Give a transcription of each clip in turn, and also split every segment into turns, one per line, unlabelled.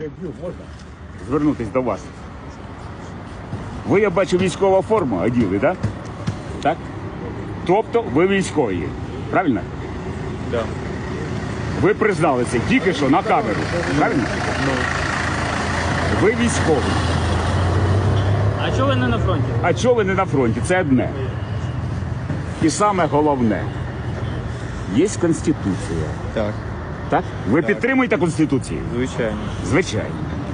переб'ю, можна звернутися до вас? Ви, я бачу, військова форма оділи, так? Так? Тобто ви військові, правильно?
Да.
Ви признали це тільки що на камеру, правильно? Ви військовий.
А чого ви не на фронті?
А чого ви не на фронті? Це одне. І саме головне. Є Конституція.
Так,
Так? Ви підтримуєте Конституцію?
звичайно.
Звичайно.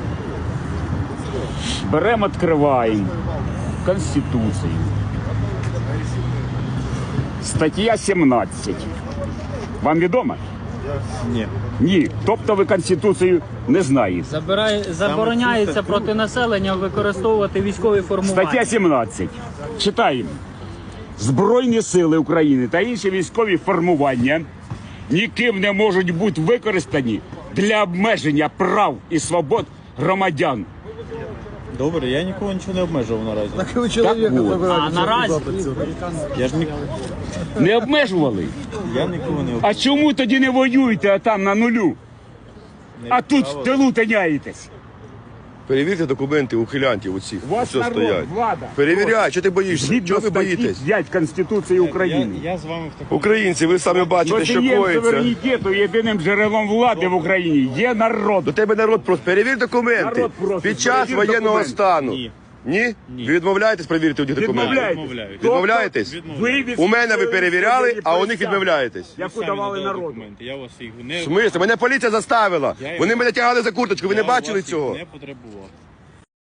Беремо, відкриваємо Конституцію. Стаття 17. Вам відомо?
Ні.
Ні. Тобто ви Конституцію не знаєте.
Забороняється проти населення використовувати військові формування.
Стаття 17. Читаємо. Збройні сили України та інші військові формування ніким не можуть бути використані для обмеження прав і свобод громадян.
Добре, я нікого нічого не обмежував наразі.
Ви чоловіка
от.
забираєте.
А наразі?
Запит.
Не обмежували?
Я нікого не обмежував.
А чому тоді не воюєте, а там на нулю? А тут в тилу тиняєтесь?
Перевірте документи ухилянтів оцих,
У вас
що
народ,
стоять.
влада.
Перевіряй, що ти боїшся?
Згідно
Чого ви
статті
боїтесь?
5 Конституції України.
Я з вами в такому...
Українці, ви самі бачите, що
Носієм
коїться.
суверенітету єдиним джерелом влади в Україні є народ.
До тебе народ просить. Перевір документи.
Народ просить,
Під час
перевір
воєнного
документи.
стану.
Ні.
Ні? Ви відмовляєтесь перевірити у них документи?
Відмовляєтесь.
Відмовляєтесь?
Ви
У мене ви перевіряли,
відстоюєте
а у них
присягу,
відмовляєтесь.
яку давали народу.
Я вас їх
В
не...
смислі? Мене поліція заставила.
Я
Вони
їх-
мене тягали за курточку, ви не
Я
бачили
вас їх
цього?
не потребував.